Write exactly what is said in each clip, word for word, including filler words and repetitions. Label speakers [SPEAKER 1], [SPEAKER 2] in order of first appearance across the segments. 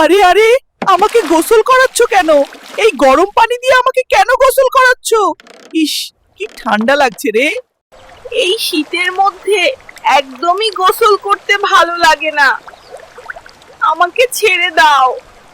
[SPEAKER 1] আরে আরে, আমাকে গোসল করাচ্ছ কেন? এই গরম পানি দিয়ে আমাকে কেন গোসল করাচ্ছ? ইস, কি ঠান্ডা লাগছে রে।
[SPEAKER 2] এই শীতের মধ্যে একদমই গোসল করতে ভালো লাগে না, আমাকে ছেড়ে দাও।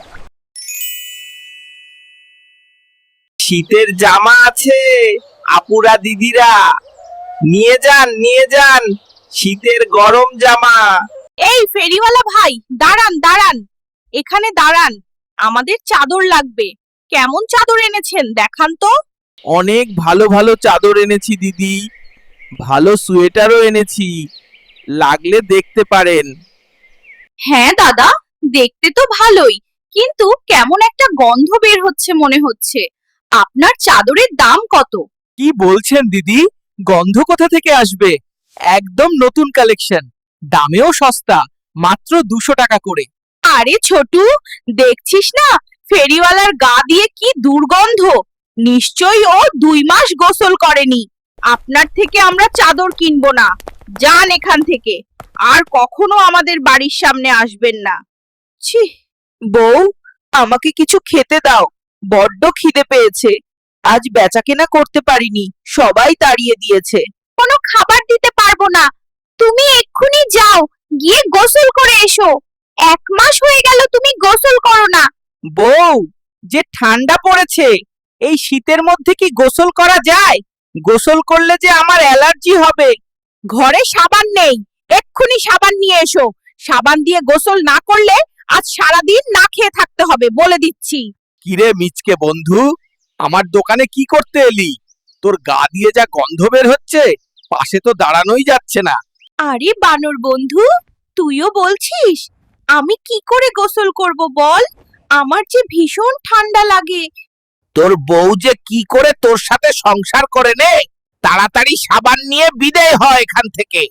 [SPEAKER 1] শীতের জামা আছে আপুরা দিদিরা, নিয়ে যান নিয়ে যান শীতের গরম জামা।
[SPEAKER 2] এই ফেরিওয়ালা ভাই, দাঁড়ান দাঁড়ান, এখানে দাঁড়ান, আমাদের চাদর লাগবে। কেমন চাদর এনেছেন দেখান তো।
[SPEAKER 1] অনেক ভালো ভালো চাদর এনেছি দিদি, ভালো সোয়েটারও এনেছি, লাগলে দেখতে পারেন।
[SPEAKER 2] হ্যাঁ দাদা, দেখতে তো ভালোই, কিন্তু কেমন একটা গন্ধ বের হচ্ছে মনে হচ্ছে। আপনার চাদরের দাম কত?
[SPEAKER 1] কি বলছেন দিদি, গন্ধ কোথা থেকে আসবে? একদম নতুন কালেকশন, দামেও সস্তা, মাত্র দুশো টাকা করে।
[SPEAKER 2] আরে ছোটু, দেখছিস না ফেরিওয়ালার গা দিয়ে কি দুর্গন্ধ। নিশ্চয়ই ও দুই মাস গোসল করেনি। আপনার থেকে আমরা চাদর কিনবো না, যান এখান থেকে, আর কখনো আমাদের বাড়ির সামনে আসবেন না।
[SPEAKER 1] ছি, বউ, আমাকে কিছু খেতে দাও, বড্ড খিদে পেয়েছে। আজ বেচাকেনা করতে পারিনি, সবাই তাড়িয়ে দিয়েছে।
[SPEAKER 2] কোনো খাবার দিতে পারবো না, তুমি এক্ষুনি যাও, গিয়ে গোসল করে এসো। এক মাস হয়ে গেল তুমি গোসল করো না।
[SPEAKER 1] বউ, যে ঠান্ডা পড়েছে, এই শীতের মধ্যে কি গোসল করা যায়? গোসল করলে যে আমার অ্যালার্জি হবে।
[SPEAKER 2] ঘরে সাবান নেই, এক্ষুনি সাবান নিয়ে এসো। সাবান দিয়ে গোসল না করলে আজ সারাদিন না খেয়ে থাকতে হবে, বলে দিচ্ছি।
[SPEAKER 1] কিরে মিচকে বন্ধু, আমার দোকানে কি করতে এলি? তোর গা দিয়ে যা গন্ধ বের হচ্ছে, পাশে তো দাঁড়ানোই যাচ্ছে না।
[SPEAKER 2] আরে বানর বন্ধু, তুইও বলছিস? আমি কি করে গোসল করব বল, আমার যে ভীষণ ঠান্ডা লাগে।
[SPEAKER 1] তোর বউ যে কি করে তোর সাথে সংসার করে নে, তাড়াতাড়ি সাবান নিয়ে বিদায় হয় এখান থেকে।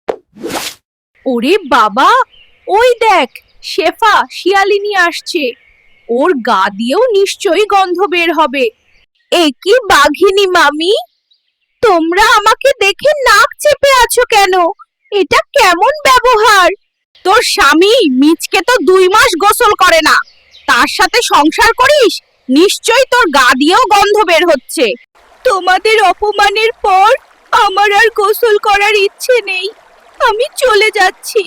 [SPEAKER 2] ওরে বাবা, ওই দেখ, শেফা শিয়ালিনী আসছে, ওর গা দিয়েও নিশ্চয়ই গন্ধ বের হবে। এ কি বাঘিনী মামি, তোমরা আমাকে দেখে নাক চেপে আছো কেন? এটা কেমন ব্যবহার? তোর স্বামী মিচকে তো দুই মাস গোসল করে না, তার সাথে সংসার করিস, নিশ্চয়ই তোর গা দিয়েও গন্ধ বের হচ্ছে। তোমাদের অপমানের পর আমার আর গোসল করার ইচ্ছে নেই, আমি চলে যাচ্ছি।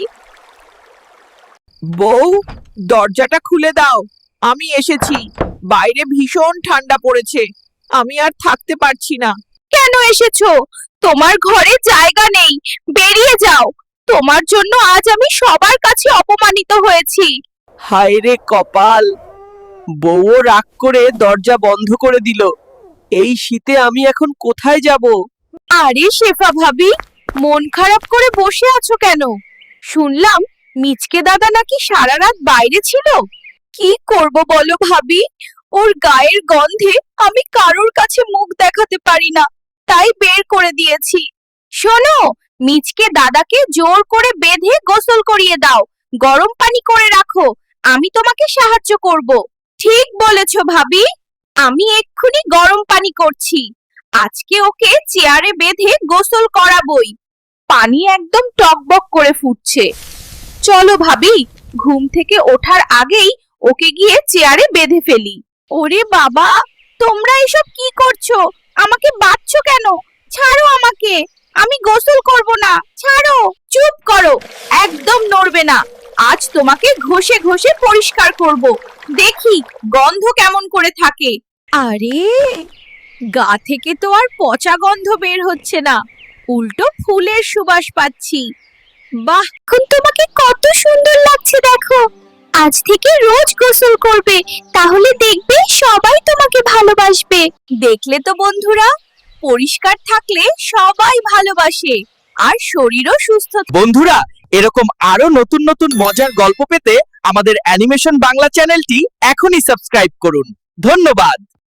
[SPEAKER 1] বউ, দরজাটা খুলে দাও, আমি এসেছি। বাইরে ভীষণ ঠান্ডা পড়েছে, আমি আর থাকতে পারছি না।
[SPEAKER 2] কেন এসেছো? তোমার ঘরে জায়গা নেই, বেরিয়ে যাও। তোমার জন্য আজ আমি সবার কাছে অপমানিত হয়েছি।
[SPEAKER 1] হায় রে কপাল, বউও রাগ করে দরজা বন্ধ করে দিল। এই শীতে আমি এখন কোথায় যাব?
[SPEAKER 2] আরে শেফা ভাবি, মন খারাপ করে বসে আছো কেন? শুনলাম মিচকে দাদা নাকি সারা রাত বাইরে ছিল। কি করব বলো ভাবি, ওর গায়ের গন্ধে আমি কারোর কাছে মুখ দেখাতে পারি না, তাই বের করে দিয়েছি। শোনো, মিচকে দাদাকে জোর করে বেঁধে গোসল করিয়ে দাও, গরম পানি করে রাখো, আমি তোমাকে সাহায্য করব। ঠিক বলেছো ভাবি, আমি এক্ষুনি গরম পানি করছি। আজকে ওকে চেয়ারে বেঁধে গোসল করাবই। পানি একদম টকবক করে ফুটছে। চলো ভাবি, ঘুম থেকে ওঠার আগেই ওকে গিয়ে চেয়ারে বেঁধে ফেলি। ওরে বাবা, তোমরা এসব কি করছো? আমাকে বাঁধছো কেন? ছাড়ো আমাকে, আমি গোসল করব না, ছাড়ো। চুপ করো, একদম নড়বে না। আজ তোমাকে ঘষে ঘষে পরিষ্কার করব, দেখি গন্ধ কেমন করে থাকে। আরে, গা থেকে তো আর পচা গন্ধ বের হচ্ছে না, উল্টো ফুলের সুবাস পাচ্ছি। বাহ, এখন তোমাকে কত সুন্দর লাগছে দেখো। আজ থেকে রোজ গোসল করবে, তাহলে দেখবে সবাই তোমাকে ভালোবাসবে। দেখলে তো বন্ধুরা, পরিষ্কার থাকলে সবাই ভালোবাসে, আর শরীরও সুস্থ।
[SPEAKER 1] বন্ধুরা, এরকম আরো নতুন নতুন মজার গল্প পেতে আমাদের অ্যানিমেশন বাংলা চ্যানেলটি এখনই সাবস্ক্রাইব করুন। ধন্যবাদ।